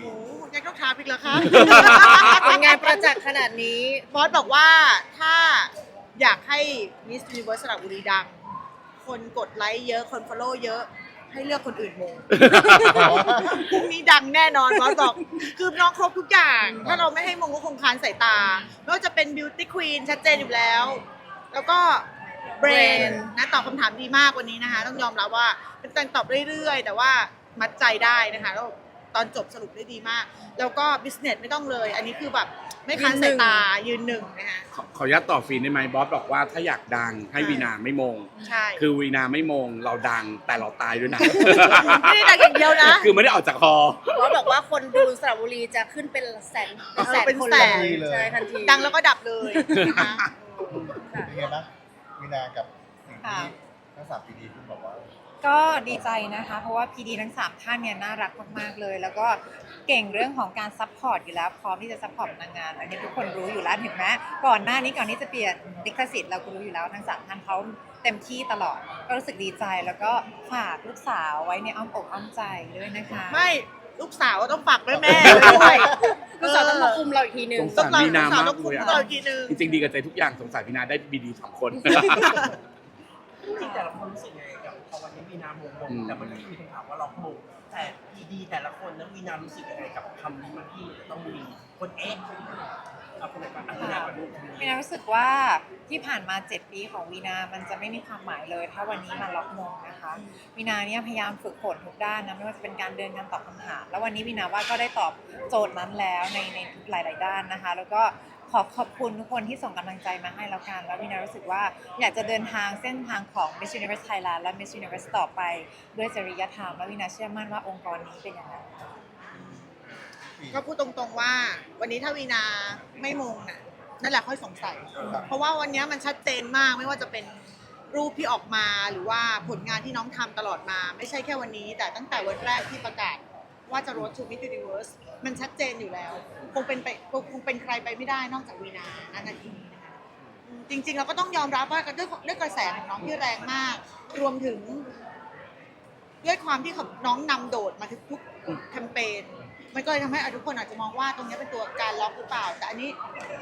โอ้ยังต้องถามอีกเหรอคะผลงานประจักษ์ขนาดนี้บอสบอกว่าถ้าอยากให้ Miss Universe สระบุรีดัง คนกดไลค์เยอะคน follow เยอะให้เลือกคนอื่นมง พรุ่งนี้ดังแน่นอนบอสบอกคือน้องครบทุกอย่าง ถ้าเราไม่ให้มงก็คงคลานสายตาไม่ว่าจะเป็น Beauty Queen ชัดเจนอยู่แล้ว แล้วก็ Brain นะตอบคำถามดีมากวันนี้นะคะ ต้องยอมรับว่าเป็นการตอบเรื่อยๆ แต่ว่ามัดใจได้นะคะแล้วตอนจบสรุปได้ดีมาก แล้วก็ Business ไม่ต้องเลย อันนี้คือแบบไม่คลานสายตายืนหนึ่งนะคะขออนุญาตต่อฟีนได้ไหมบอสบอกว่าถ้าอยากดังให้วีนาไม่มงใช่คือวีนาไม่มงเราดังแต่เราตายด้วยนะไม่ได้ดังอย่างเดียวนะคือไม่ได้ออกจากคอบอสบอกว่าคนดูสระบุรีจะขึ้นเป็นแสนเป็นคนแสเลยนใช่ทันทีดังแล้วก็ดับเลยนะคะเป็นไงบ้างวินากับสิ่งที่ทั้ง3 ปีดีคุณบอกว่าก็ดีใจนะคะ เพราะว่าพีดีทั้ง3ท่านเนี่ยน่ารักมากๆเลย แล้วก็เก่งเรื่องของการซัพพอร์ตอยู่แล้วพร้อมที่จะซัพพอร์ตนางงามอันนี้ทุกคนรู้อยู่แล้วถึงแม้ก่อนหน้านี้ก่อนที่จะเปลี่ยนลิขสิทธิ์เราก็รู้อยู่แล้วทั้ง3ท่านเขาเต็มที่ตลอด ก็รู้สึกดีใจแล้วก็ฝากลูกสาวไว้ในอ้อมอกอ้อมใจด้วยนะคะไม่ลูกสาวต้องฝากแม่แม่ด้วยลูกสาวต้องมาคุมเราอีกทีหนึ่งสงสารวีนามากต้องคุเลยมอะต่ออีกทีนึงจริงๆดีกับใจทุกอย่างสงสารวีนาได้บีดี2 คนจริงๆแต่ละคนรู้สึกยังไงกับพอวันนี้วีนามงแต่มันก็มีคำถามว่าล็อกมงแต่ดีแต่ละคนแล้ววีนารู้สึกยังไงกับคำนี้มันที่จะต้องมีคนเอาคนไหนก่อนวีนาก่อนลูกวีนารู้สึกว่าที่ผ่านมา7 ปีของวีนามันจะไม่มีความหมายเลย ถ้าวันนี้มาล็อกมงนะคะวีนาเนี่ยพยายามฝึกฝนทุกด้านนะไม่ว่าจะเป็นการเดินการตอบคำถามแล้ววันนี้วีนาว่าก็ได้ตอบโจทย์นั้นแล้วในหลายๆด้านนะคะ แล้วก็ขอบคุณทุกคนที่ส่งกำลังใจมาให้แล้วกันแล้ววีนารู้สึกว่าอยากจะเดินทางเส้นทางของ Miss Universe Thailand และ Miss Universe ต่อไปด้วยจริยธรรมและวีนาเชื่อมั่นว่าองค์กรนี้เป็นอย่างนั้นก็พูดตรงๆว่า วันนี้ถ้าวีนาไม่มงน่ะนั่นแหละค่อยสงสัย เพราะว่าวันนี้มันชัดเจนมากไม่ว่าจะเป็นรูปที่ออกมาหรือว่าผลงานที่น้องทำตลอดมา ไม่ใช่แค่วันนี้ แต่ตั้งแต่วันแรกที่ประกาศว่าจะ Road to Miss Universe มันชัดเจนอยู่แล้ว คงเป็นใครไปไม่ได้นอกจากวีนาณนาทีนี้นะคะจริงๆเราก็ต้องยอมรับว่าด้วยกระแสของน้องที่แรงมาก รวมถึง ด้วยความที่น้องนำโดดมาทุกแคมเปญมันก็เลยทำให้ทุกคนอาจจะมองว่าตรงนี้เป็นตัวการล็อกหรือเปล่า แต่อันนี้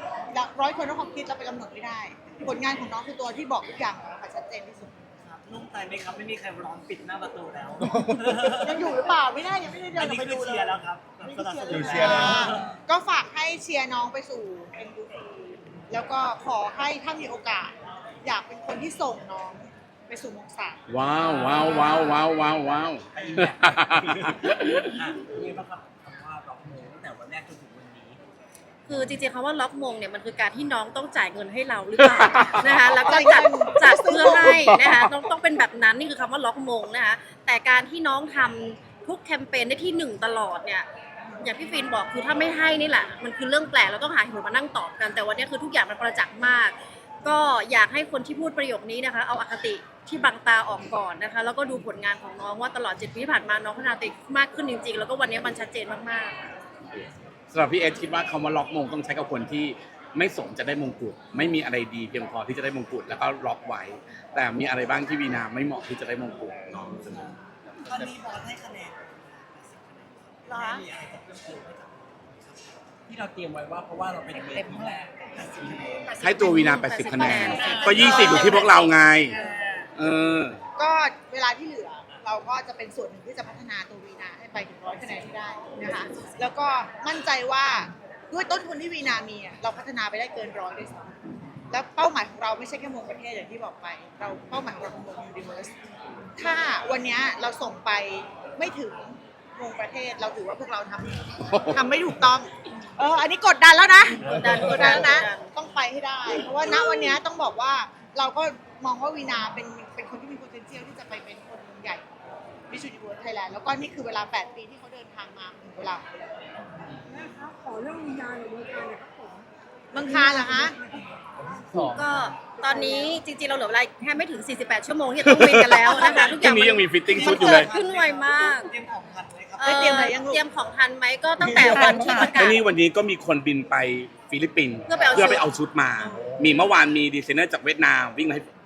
100 คนต้องความคิดเราไปกำหนดไม่ได้ ผลงานของน้องคือตัวที่บอกทุกอย่างค่ะชัดเจนที่สุดนุ่มใจไหมครับไม่มีใครร้องปิดหน้าประตูแล้วยังอยู่หรือเปล่าไม่ได้ยังไม่ได้เดิอันนออนี้กไปคือดูเลเชียยร์แล้วครับนี่สนับสนุคืนอเชียร์แล้แล้ววก็ฝากให้เชียร์น้องไปสู่ MVP แล้วก็ขอให้ถ้ามีโอกาส อยากเป็นคนที่ส่งน้องไปสู่มงสามว้าวว้าวว้าวว้าวว้าวว้าวไอ้แบบนี่บ้างครับคำว่าล็อกมงตั้งแต่วันแรกจนถึงวันนี้คือจริงๆคำว่าล็อกมงเนี่ยมันคือการที่น้องต้องจ่ายเงินให้เราหรือเปล่า นะคะแล้วก็จัดเพื่อให้นะคะต้องเป็นแบบนั้นนี่คือคำว่าล็อกมงนะคะแต่การที่น้องทำทุกแคมเปญได้ที่1ตลอดเนี่ยอย่างพี่ฟินบอกคือถ้าไม่ให้นี่แหละมันคือเรื่องแปลกเราต้องหาเหตุผลมานั่งตอบกัน แต่วันนี้คือทุกอย่างมันประจักษ์มาก ก็อยากให้คนที่พูดประโยคนี้นะคะเอาอคติที่บังตาออกก่อนนะคะแล้วก็ดูผลงานของน้องว่าตลอด7 ปีที่ผ่านมาน้องพัฒนาตัวเองมากขึ้นจริงๆ แล้วก็วันนี้มันชัดเจนมากๆสำหรับพี่เอสคิดว่าคำว่าล็อกมงต้องใช้กับคนที่ไม่สมจะได้มงกุฎไม่มีอะไรดีเพียงพอที่จะได้มงกุฎแล้วก็ล็อกไว้ แต่มีอะไรบ้างที่วีนาไม่เหมาะที่จะได้มงกุฎน้องเสนอตอนนี้บอสให้คะแนนเหรอมีอะไรจะเพิ่มเติมไหมครับที่เราเตรียมไว้ว่าเพราะว่าเราเป็นเวทีแรก80 ให้ตัววีนา80 คะแนนก็20อยู่ที่พวกเราไงเออก็เวลาที่เหลือเราก็จะเป็นส่วนหนึ่งที่จะพัฒนาตัววีนาให้ไปถึง100 คะแนนให้ได้นะคะแล้วก็มั่นใจว่าด้วยต้นทุนที่วีนามีอะเราพัฒนาไปได้เกิน100ด้วยซ้ำแล้วเป้าหมายของเราไม่ใช่แค่มงประเทศอย่างที่บอกไป เราเป้าหมายของเราคือมงยูนิเวอร์สถ้าวันนี้เราส่งไปไม่ถึงมงประเทศเราถือว่าพวกเราทำไม่ถูกต้องอันนี้กดดันแล้วนะกดดันแล้วนะต้องไปให้ได้ เพราะว่าณวันนี้ต้องบอกว่าเราก็มองว่าวีนาเป็นคนที่มี potential ที่จะไปเป็นคนใหญ่ Miss Universe Thailand แล้วก็นี่คือเวลา 8 ปีที่เขาเดินทางมาถึงเวลาของเราขอเรื่องวิญญาณหรือเมืองการเนี่ยครับผมเมืองคานเหรอคะก็ตอนนี้จริงๆเราเหลือเวลาแค่ไม่ถึง 48 ชั่วโมงที่จะต้องบินกันแล้วนะคะทุกพอรุ่ย่างงนี้ยังมีฟิตติ้งชุดอยู่เกิเลยดขึ้นไวมากเตรียมของทันไหมครับไม่เตรียมอะไรยังลูกเตรียมของทันไหมก็ตั้งแต่วันที่ประกาก็ศนี่วันนี้ก็มีคนบินไปฟิลิปปินส์เพื่อไปเอาชุดไปเอาชุดมา มีเมื่อวานมีดีไซเนอร์จากเวียดนามวิ่งมาให้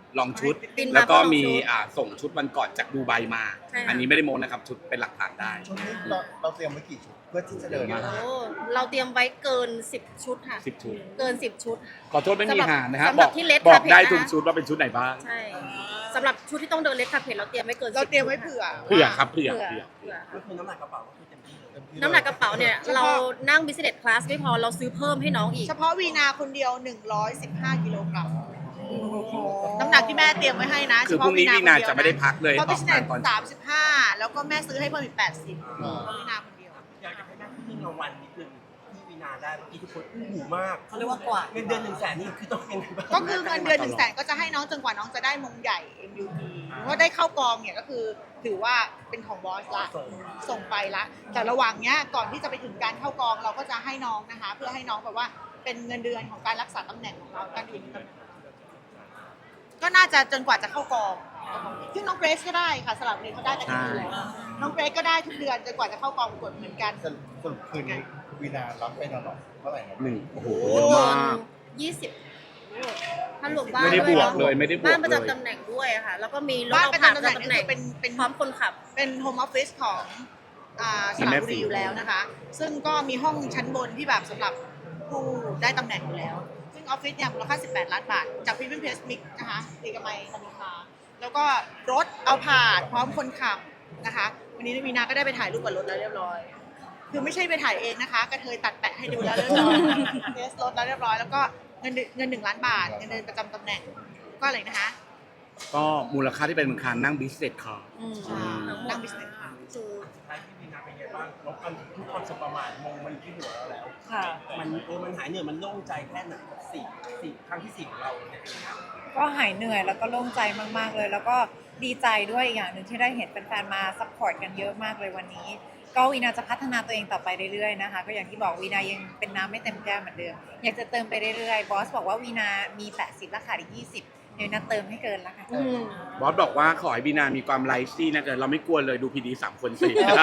ลองชุดบินมาแล้วก็มีลองชุดส่งชุดวันก่อนจากดูไบมาใช่ค่ะอันนี้ไม่ได้โมนะครับชุดเป็นหลักฐานได้ชุดนี้เราเตรียมไว้กี่ชุดเพื่อที่จะเดินเยอะโอ้มากเราเตรียมไว้เกิน 10 ชุดค่ะ 10 ชุดเกิน 10 ชุดขอโทษไม่มีหานะครับสำหรับที่ Red บอก Carpet ได้นะคะทุกชุดว่าเป็นชุดไหนบ้างใช่สำหรับชุดที่ต้องเดินเลสคาเพจเราเตรียมไว้เกินเรา 10 เตรียมไว้ชุดเผื่อเผื่อครับเผื่อเผื่อเผื่อเผื่อก็คือน้ำหนักกระเป๋าก็คือเต็มที่เลยน้ำหนักกระเป๋าเนี่ยเรานั่ง business class ไม่พอเราซื้อเพิ่มให้น้องอีกเฉพาะวีนาคนเดียว 115 กิโลกรัมน้ำหนักที่แม่เตรียมไว้ให้นะคือพรุ่งนี้วีนาจะไม่ได้พักเลยเพราะอบิอกสเนงานสตอนเช้า 35 แล้วก็แม่ซื้อให้เพิ่มอีก 80เพราะวีนาคนเดียวอยากจะให้ได้ที่รางวัลนิดนึงที่วีนาได้เมื่อกี้ทุกคนหูมากเขาเรียกว่ากวาดเงินเดือน100,000นี่คือต้องยังไงบ้างก็คือเงินเดือน100,000ก็จะให้น้องจนกว่าน้องจะได้มงใหญ่ MUT เพราะได้เข้ากองเนี่ยก็คือถือว่าเป็นของบอสละส่งไปละแต่ระหว่างเนี้ยก่อนที่จะไปถึงการเข้ากองเราก็จะให้น้องนะคะ เพื่อให้น้องแบบว่าเป็นเงินเดือนของการรักษาตำแหน่งของเราการอยู่ในตำแหน่งก็น่าจะจนกว่าจะเข้ากองซึ่งน้องเกรซก็ได้ค่ะสลับนี้เขาได้กันทุกเดือนน้องเกรซก็ได้ทุกเดือนจนกว่าจะเข้ากองประกวดเหมือนกันสรุปคืนนี้วีนารับไปนอนเท่าไหร่นะหนึ่งโอ้โหโอ้เยอะมาก 20ถ้ารวมบ้านไม่ได้บวกด้เลวยไม่ได้บวกบ้านประเลยจำตำแหน่งด้วยอะค่ะ แล้วก็มีรถบ้านเอาประผ่านจำปตำระแหน่งจำตำแหน่งคือเป็นพร้อมคนขับเป็นโฮมออฟฟิศของสระบุรีอยู่แล้วนะคะ ซึ่งก็มีห้องชั้นบนที่แบบสำหรับผู้ได้ตำแหน่งอยู่แล้ว ซึ่งออฟฟิศเนี่ยมูลค่า 18 ล้านบาท จากพรีเมียมเพสมิกนะคะตีกมัยธนิคาแล้วก็รถเอาผ่านพร้อมคนขับนะคะ วันนี้มีนาก็ได้ไปถ่ายรูปกับรถแล้วเรียบร้อย คือไม่ใช่ไปถ่ายเองนะคะกระเทยตัดแปะให้ดูแล้วเรียบร้อยเทสรถแล้วเรียบร้อย แล้วก็เงิน1 ล้านบาท เงินเดือนประจำตำแหน่ง ก็อะไรนะคะก็มูลค่าที่เป็นมูลค่านั่งบิสเนสคาร์นั่งบิสเนสค่ะคือสุดท้ายที่วีนาเป็นไงบ้างลบกันทุกความสบประมาทมงมันที่หัวเราแล้วค่ะมันหายเหนื่อยมันโล่งใจแค่ไหนสี่ครั้งที่4ของเราเนี่ยก็หายเหนื่อยแล้วก็โล่งใจมากๆเลย แล้วก็ดีใจด้วยอีกอย่างหนึ่งที่ได้เห็นแฟนๆมาซัพพอร์ตกันเยอะมากเลยวันนี้ ก็วีนาจะพัฒนาตัวเองต่อไปเรื่อยๆนะคะก็อย่างที่บอกวีนายังเป็นน้ำไม่เต็มแก้วเหมือนเดิมอยากจะเติมไปเรื่อยๆบอสบอกว่าวีนามี80ราคาอีก20เดี๋ยววีนาเติมให้เกินละค่ะบอสบอกว่าขอให้บีนามีความไลฟ์ซี่นะเกิดเราไม่กลัวเลยดูพีดี3 คนสิ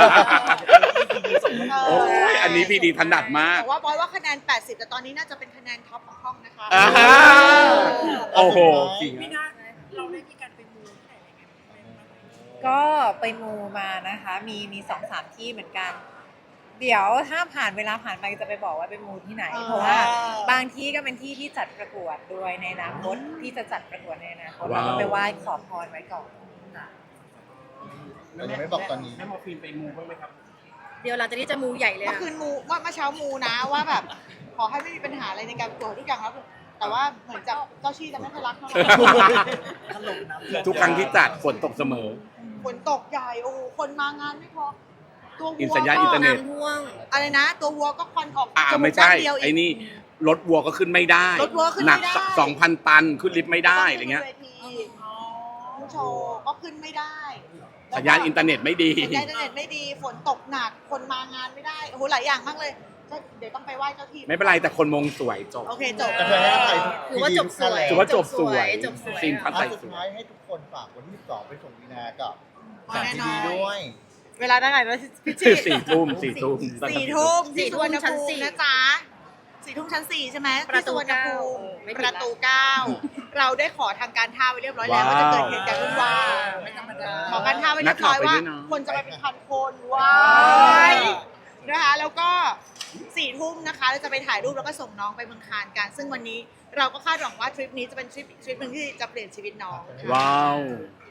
โอ้ยอันนี้พีดีถนัดมากแต่ว่าบอยว่าคะแนน 80 แต่ตอนนี้น่าจะเป็นคะแนนท็อปของห้องนะคะอ่าฮะ โอ้โหจริงพี่นาเราได้มีการไปมูที่ไหนยังไงบ้างไหมก็ไปมูมานะคะ มี2-3 ที่เหมือนกัน เดี๋ยวถ้าเวลาผ่านไปจะไปบอกว่าไปมูที่ไหน เพราะว่าบางที่ก็เป็นที่ที่จัดประกวดด้วยในอนาคตที่จะจัดประกวดในอนาคตเราก็ไปไหว้ขอพรไว้ก่อนค่ะแต่ยังไม่บอกตอนนี้แม่มอร์ฟีนไปมูบ้างไหมครับเดี๋ยวหลังจากนี้จะมูใหญ่เลยเมื่ออะคืนมูเมื่อเช้ามูนะว่าแบบ ขอให้ไม่มีปัญหาอะไรในการประกวดทุกอย่างครับ แต่ว่าเหมือนจะเจ้าชี่จะไม่ค่อยรักเท่าไหร่ทุกครั้งที่จัดฝนตกเสมอฝนตกใหญ่โอ้โหคนมางานไม่พอตัววัวสัญญาณอินเทอร์เน็ตน้ำท่วงอะไรนะ ตัววัวก็ควันออก จกไม่ใช่ด้านเดียวไอ้นี่รถวัวก็ขึ้นไม่ได้รถวัวขึ้นหนัไม่ได้ 2,000 ตันขึ้นลิฟต์ไม่ได้อะไรเงี้ยผู้โชว์ก็ขึ้นไม่ได้สัญญาณอินเทอร์เน็ตไม่ดีสัญญาณอินเทอร์เน็ตไม่ดี ฝนตกหนัก คนมางานไม่ได้ โอ้โห หลายอย่างมากเลยก็เดี๋ยวต้องไปไหว้เจ้าที่ไม่เป็นไรแต่คนมงสวยจบโอเคจบแต่เธอให้อภัยถือว่าจบสวยถือว่าจบสวยจบสวยซีนพัดอ่ะใส่สุดสวท้าย ยให้ทุกคนฝากวันที่12ไปส่งวีนากับอ๋อแน่นอนทีวีด้วยเวลาได้ไหนนะพี่จี้ 4 ทุ่ม 4 ทุ่มที่สุวรรณชั้นภูสี่มินะจ๊ะ4 ทุ่มชั้น 4 ใช่ไหมประตูที่สุวรรณภูมิ 9ไม่ผิดปละระตู 9 เราได้ขอทางการท่าไว้เรียบร้อยแล้วว่าจะเกิดเหตุการณ์วุ่นวายขอการท่าไว้เรียบร้อยว่า คนจะไปเป็นพันคนว้ายนะคะ แล้วก็4 ทุ่มนะคะเราจะไปถ่ายรูปแล้วก็ส่งน้องไปเมืองคานกัน ซึ่งวันนี้เราก็คาดหวังว่าทริปนี้จะเป็นทริปหนึ่งที่จะเปลี่ยนชีวิตน้องว้าว